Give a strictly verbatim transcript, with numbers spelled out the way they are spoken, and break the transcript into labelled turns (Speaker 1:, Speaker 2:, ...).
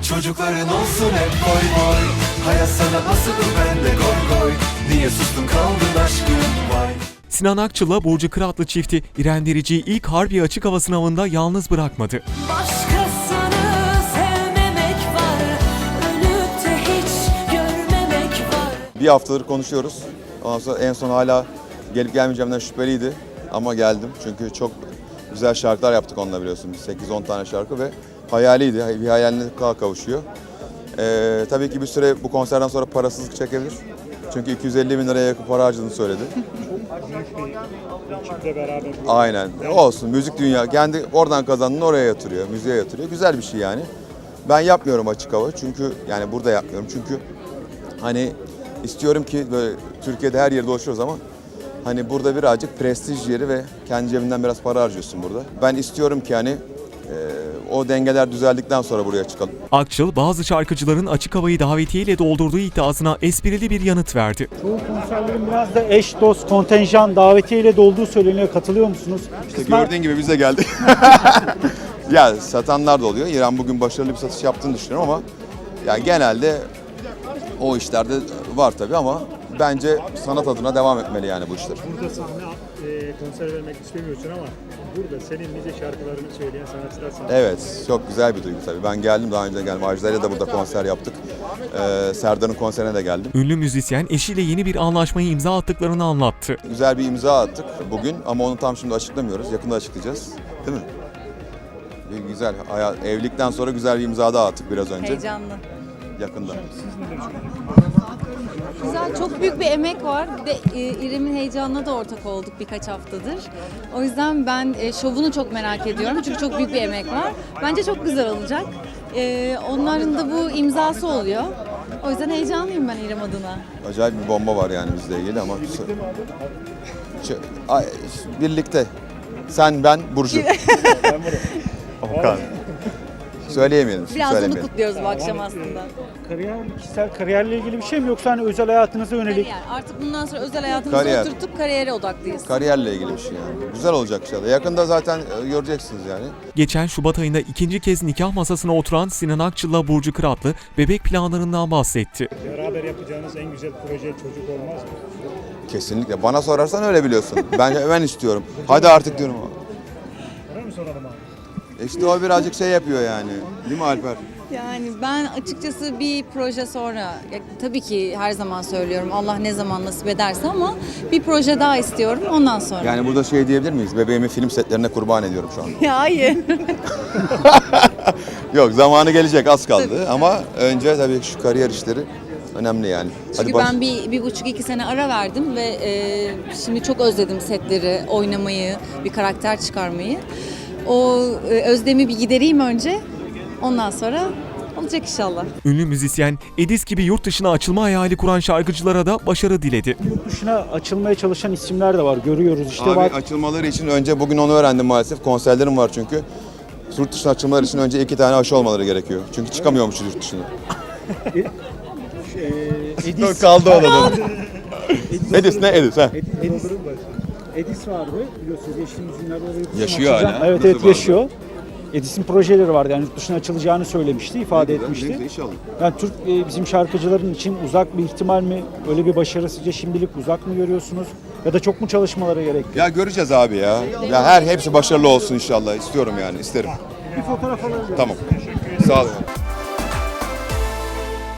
Speaker 1: Çocukların olsun hep boy boy. Hayat sana nasıl ben de goy goy. Niye sustun kaldın aşkım vay.
Speaker 2: Sinan Akçıl'la Burcu Kıratlı çifti İrem Derici'yi ilk Harbiye Açık Hava Sınavı'nda yalnız bırakmadı.
Speaker 3: Başkasını sevmemek var, ölüp de hiç görmemek var.
Speaker 4: Bir haftadır konuşuyoruz. Ondan sonra en son hala gelip gelmeyeceğimden şüpheliydi. Ama geldim çünkü çok güzel şarkılar yaptık onunla biliyorsun. sekiz on tane şarkı ve hayaliydi. Bir hayaline kavuşuyor. Ee, tabii ki bir süre bu konserden sonra parasızlık çekebilir. Çünkü iki yüz elli bin liraya yakın para harcadığını söyledi. Aynen. Olsun. Müzik dünya. Kendi oradan kazandığını oraya yatırıyor. Müziğe yatırıyor. Güzel bir şey yani. Ben yapmıyorum açık hava. Çünkü yani burada yapmıyorum. Çünkü hani istiyorum ki böyle Türkiye'de her yerde dolaşıyoruz ama hani burada birazcık prestij yeri ve kendi cebinden biraz para harcıyorsun burada. Ben istiyorum ki hani e, o dengeler düzeldikten sonra buraya çıkalım.
Speaker 2: Akçıl bazı şarkıcıların açık havayı davetiyeyle doldurduğu iddiasına esprili bir yanıt verdi.
Speaker 5: Çoğu konserlerin biraz da eş, dost, kontenjan, davetiyeyle dolduğu söyleniyor. Katılıyor musunuz?
Speaker 4: İşte gördüğün gibi biz de geldik. Ya satanlar da oluyor. İrem bugün başarılı bir satış yaptığını düşünüyorum ama yani genelde o işlerde var tabii ama bence sanat adına devam etmeli yani bu işler.
Speaker 6: Burada sahne e, konser vermek istemiyorsun ama burada senin nice şarkılarını söyleyen sanatçılar sana.
Speaker 4: Evet, çok güzel bir duygu tabii. Ben geldim, daha önce geldim. Ajda'yla da burada konser yaptık. Ee, Serdar'ın konserine de geldim.
Speaker 2: Ünlü müzisyen eşiyle yeni bir anlaşmayı imza attıklarını anlattı.
Speaker 4: Güzel bir imza attık bugün ama onu tam şimdi açıklamıyoruz. Yakında açıklayacağız. Değil mi? Bir güzel, hayat, evlilikten sonra güzel bir imza daha attık biraz önce.
Speaker 7: Heyecanlı.
Speaker 4: Yakında.
Speaker 7: Güzel, çok büyük bir emek var. Bir de e, İrem'in heyecanına da ortak olduk birkaç haftadır. O yüzden ben e, şovunu çok merak ediyorum. Çünkü çok büyük bir emek var. Bence çok güzel olacak. E, onların da bu imzası oluyor. O yüzden heyecanlıyım ben İrem adına.
Speaker 4: Acayip bir bomba var yani bizle ilgili ama... Şu- Ay, birlikte. Sen, ben, Burcu. Okan. Söyleyemeyelim.
Speaker 7: Biraz onu
Speaker 4: söylemeyelim.
Speaker 7: kutluyoruz bu akşam aslında.
Speaker 5: Kariyer, kişisel kariyerle ilgili bir şey mi yoksa hani özel hayatınıza yönelik?
Speaker 7: Kariyer. Artık bundan sonra özel hayatımızı
Speaker 4: Kariyer.
Speaker 7: oturtup kariyere odaklıyız.
Speaker 4: Kariyerle ilgili bir şey yani. Güzel olacak inşallah. Yakında zaten e, göreceksiniz yani.
Speaker 2: Geçen Şubat ayında ikinci kez nikah masasına oturan Sinan Akçıl'la Burcu Kıratlı bebek planlarından bahsetti.
Speaker 6: Beraber yapacağınız en güzel proje çocuk olmaz mı?
Speaker 4: Kesinlikle. Bana sorarsan öyle biliyorsun. Ben ben istiyorum. Hadi artık diyorum.
Speaker 6: Öyle mi soralım abi?
Speaker 4: İşte o birazcık şey yapıyor yani. Değil mi Alper?
Speaker 7: Yani ben açıkçası bir proje sonra, ya tabii ki her zaman söylüyorum Allah ne zaman nasip ederse ama bir proje daha istiyorum ondan sonra.
Speaker 4: Yani burada şey diyebilir miyiz? Bebeğimi film setlerine kurban ediyorum şu an.
Speaker 7: Ya hayır.
Speaker 4: Yok, zamanı gelecek, az kaldı ama önce tabii şu kariyer işleri önemli yani.
Speaker 7: Çünkü
Speaker 4: baş-
Speaker 7: ben bir, bir buçuk iki sene ara verdim ve e, şimdi çok özledim setleri, oynamayı, bir karakter çıkarmayı. O e, özlemi bir gidereyim önce, ondan sonra olacak inşallah.
Speaker 2: Ünlü müzisyen Edis gibi yurt dışına açılma hayali kuran şarkıcılara da başarı diledi.
Speaker 5: Yurt dışına açılmaya çalışan isimler de var. Görüyoruz işte.
Speaker 4: Abi
Speaker 5: bak,
Speaker 4: açılmaları için önce bugün onu öğrendim maalesef. Konserlerim var çünkü. Yurt dışına açılmaları için önce iki tane aşı olmaları gerekiyor. Çünkü çıkamıyormuşuz yurt dışına.
Speaker 5: e, Edis,
Speaker 4: Kaldı orada. Edis ne Edis ha?
Speaker 5: Ed- Edis, Edis vardı biliyorsunuz geçtiğimiz günlerde oraya yurt dışına
Speaker 4: Yaşıyor
Speaker 5: açılacak.
Speaker 4: hala.
Speaker 5: Evet
Speaker 4: Nasıl
Speaker 5: evet
Speaker 4: vardı?
Speaker 5: yaşıyor. Edis'in projeleri vardı yani yurt dışına açılacağını söylemişti, ifade etmişti.
Speaker 4: İnşallah.
Speaker 5: Yani Türk e, bizim şarkıcıların için uzak bir ihtimal mi? Öyle bir başarı sizce şimdilik uzak mı görüyorsunuz? Ya da çok mu çalışmaları gerek?
Speaker 4: Ya göreceğiz abi ya. Ya her hepsi başarılı olsun inşallah. İstiyorum yani, isterim.
Speaker 5: Bir fotoğraf alabilir
Speaker 4: Tamam. Sağ olun.